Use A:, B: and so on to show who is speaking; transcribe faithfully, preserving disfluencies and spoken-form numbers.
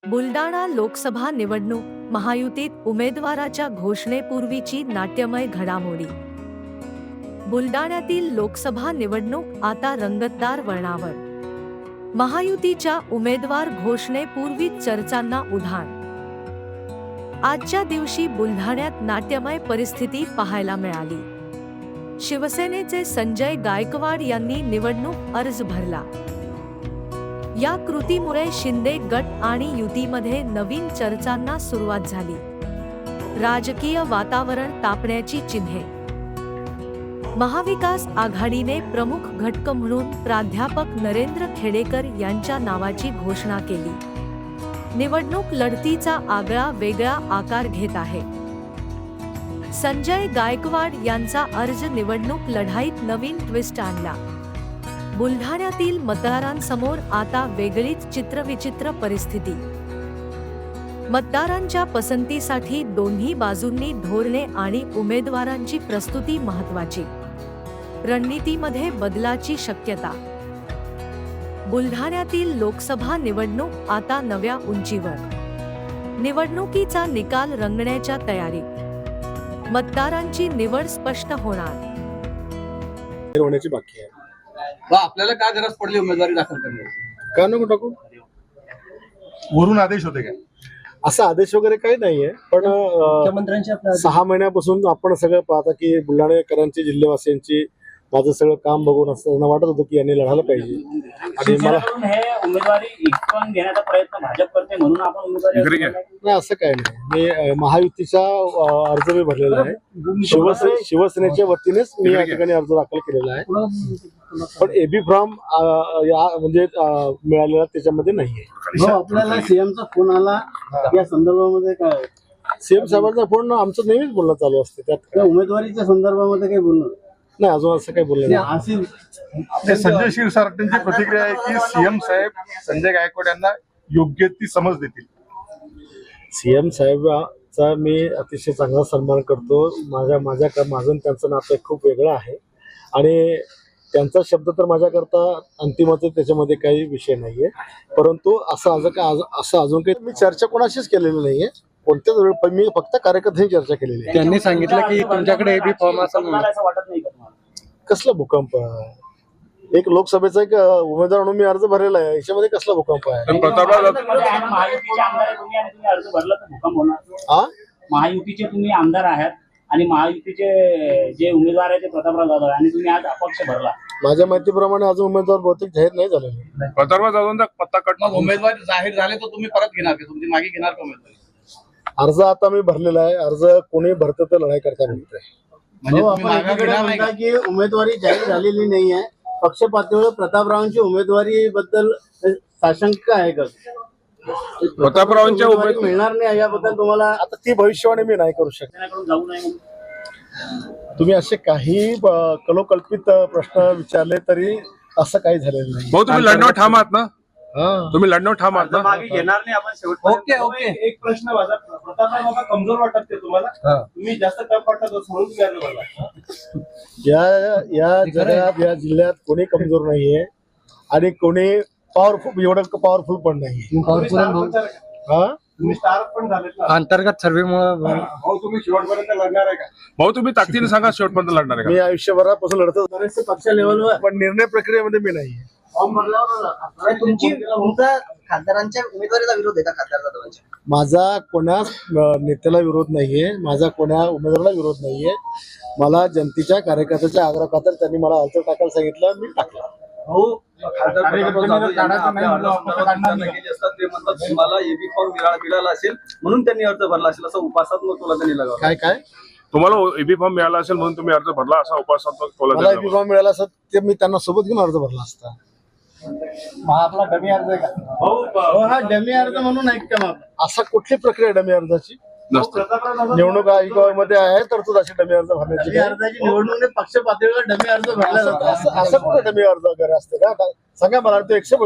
A: बुलडाणा लोकसभा निवडणूक महायुतीत उमेदवाराच्या घोषणेपूर्वीची नाट्यमय घडामोडी। बुलडाण्यातील लोकसभा निवडणूक आता रंगतदार वळणावर। महायुतीच्या उमेदवार घोषणेपूर्वीच चर्चांना उधाण। आजच्या दिवशी बुलढाण्यात नाट्यमय परिस्थिती पाहायला मिळाली। शिवसेनेचे संजय गायकवाड यांनी निवडणूक अर्ज भरला। या कृतीमुळे शिंदे गट आणि युतीमध्ये नवीन चर्चांना सुरुवात झाली। राजकीय वातावरण तापण्याची चिन्हे। महाविकास आघाडीने प्रमुख घटक म्हणून प्राध्यापक नरेंद्र खेडेकर यांच्या नावाची घोषणा केली। निवडणूक लढतीचा आगळा वेगळा आकार घेत आहे। संजय गायकवाड यांचा अर्ज निवडणूक लढाईत नवीन ट्विस्ट आणला। बुलढाण्यातील मतदारांसमोर आता वेगळीच चित्रविचित्र परिस्थिती। मतदारांच्या पसंतीसाठी दोन्ही बाजूंनी धोरणे आणि उमेदवारांची प्रस्तुती महत्त्वाची। रणनीतीमध्ये बदलाची शक्यता। बुलढाण्यातील लोकसभा निवडणूक आता नव्या उंचीवर। निवडणुकीचा निकाल रंगण्याच्या तयारीत। मतदारांची निवड स्पष्ट होणार।
B: होण्याची बाकी आहे।
C: आपल्याला काय गरज पडली उमेदवारी दाखल करण्याची?
B: का नको टाकू?
D: वरून आदेश होते काय?
B: असा आदेश वगैरे काही नाहीये, पण
C: मुख्यमंत्र्यांच्या
B: सहा महिन्यापासून आपण सगळं पाहता की बुलढाणेकरांची, जिल्हेवासियांची माझं सगळं काम बघून असताना वाटत होतं की यांनी लढायला पाहिजे। आणि मला
E: हे उमेदवारी हिसकावून घेण्याचा प्रयत्न भाजप करते म्हणून आपण उमेदवारी
B: नाही असं काही नाही। मी महायुतीचा अर्ज मी भरलेला आहे। शिवसेने शिवसेनेच्या वतीनेच मी या ठिकाणी अर्ज दाखल केलेला आहे, पण एबी फॉर्म या म्हणजे मिळालेला त्याच्यामध्ये नाहीये।
C: आपल्याला सीएमचा फोन आला या संदर्भामध्ये काय?
B: सीएम साहेबांचा फोन आमचं नेहमीच बोलणं चालू असते, त्यात
C: उमेदवारीच्या संदर्भामध्ये काही बोलणं
B: नाही, अजून असं काही बोललं नाही।
D: संजय क्षीरसागरची प्रतिक्रिया आहे की सीएम साहेब संजय गायकवाड यांना योग्य ती समज देतील।
B: सीएम साहेबांचा मी अतिशय चांगला सन्मान करतो। माझ्या माझ्या माझं त्यांचं नातं खूप वेगळं आहे आणि त्यांचा शब्द तर माझ्याकरता अंतिमच आहे, त्याच्यामध्ये काही विषय नाहीये। परंतु असं असं का असं अजून काही मी चर्चा कोणाशीच केलेली नाहीये। कोणत्याच वेळी पण मी फक्त कार्यकर्त्यांनी चर्चा केलेली आहे।
C: त्यांनी सांगितलं की तुमच्याकडे एबी फॉर्म असेल
E: असं वाटत नाही का तुम्हाला?
B: कसला भूकंप? एक लोकसभेचा एक उमेदवार म्हणून मी अर्ज भरलेला आहे, याच्यामध्ये कसला भूकंप आहे?
E: महायुतीचे आमदार आहे तुम्ही आणि तुम्ही अर्ज भरला तर भूकंप होणार?
B: हा,
E: महायुतीचे तुम्ही आमदार आहात आणि महायुतीचे जे उमेदवार आहे ते प्रतापराव जाधव आणि तुम्ही आज अपक्ष भरला।
B: माझ्या माहितीप्रमाणे अजून उमेदवार बहुतेक जाहीर नाही झालेले।
D: प्रतापराव जाधवांचा पत्ता कटणार।
C: उमेदवारी जाहीर झाले तर तुम्ही परत घेणार की तुमची मागे घेणार का उमेदवारी?
B: अर्ज आता मी भरलेला आहे। अर्ज कोणी भरतं तर लढाई करता म्हणतोय।
C: म्हणजे आपण की उमेदवारी जाहीर झालेली नाही आहे, पक्ष पातळीवर प्रतापरावांची उमेदवारी बद्दल साशंका आहे का?
D: प्रतापरावांच्या
C: उमेदवारी मिळणार नाही याबद्दल तुम्हाला
B: आता ती भविष्यवाणी मी नाही करू शकत।
E: त्यांच्याकडून जाऊ नये म्हणून
B: तुम्ही असे काही कलोकल्पित प्रश्न विचारले तरी असं काही झालेलं नाही।
D: भाऊ तुम्ही लढण्यावर ठाम आहात ना?
B: हा,
D: तुम्ही लढण्यावर ठाम आहात ना?
E: मागे घेणार नाही आपण शेवट।
C: ओके ओके
F: एक प्रश्न माझा, प्रतापराव बाबा कमजोर वाटत ते तुम्हाला? तुम्ही जास्त टफ वाटत असं म्हणून तुम्ही अर्ज भरला?
B: या या जगात या जिल्ह्यात कोणी कमजोर नाहीये आणि कोणी पॉवरफुल एवढं पॉवरफुल पण नाहीये। हा,
F: तुम्ही स्टार पण झालेत ना
C: अंतर्गत सर्वेमुळे।
F: भाऊ तुम्ही शेवटपर्यंत लढणार आहे का?
D: भाऊ तुम्ही ताकदीने सांगा शेवटपर्यंत लढणार आहे
B: मी
D: का?
B: आयुष्यभरापासून लढतो,
C: बरेचसे पक्ष लेवलवर
B: पण निर्णय प्रक्रियेमध्ये मी नाहीये।
G: तुमची तुमचा खासदारांच्या उमेदवारीला विरोध आहे का? खासदार जाधवांच्या
B: माझा कोणा नेत्याला विरोध नाहीये, माझा कोणा उमेदवाराला विरोध नाहीये। मला जनतेच्या कार्यकर्त्याच्या आग्रह खातर त्यांनी मला अर्ज टाकायला सांगितलं, मी टाकला।
C: मला एबी फॉर्म मिळाला असेल म्हणून त्यांनी अर्ज भरला असेल असं उपासात्मक तुला त्यांनी लगावलं।
B: काय काय
D: तुम्हाला एबी फॉर्म मिळाला असेल म्हणून तुम्ही अर्ज भरला असा उपासात्मक
B: मला
D: तोला
B: एबी फॉर्म मिळाला असत ते मी त्यांना सोबत घेऊन अर्ज भरला असता।
C: हा आपला डमी अर्ज आहे का? हो हा डमी अर्ज म्हणून ऐकता मग
B: असा कुठली प्रक्रिया डमी अर्जाची
D: नसतं।
B: निवडणूक आयोगामध्ये आहे तरतूद अशी डमी अर्ज भरण्याची
C: डमी अर्जाची निवडणूक पक्ष पातळीवर डमी अर्ज भरला जातो।
B: असं असं कुठं डमी अर्ज वगैरे असते का? सांगा मला, तो एकशे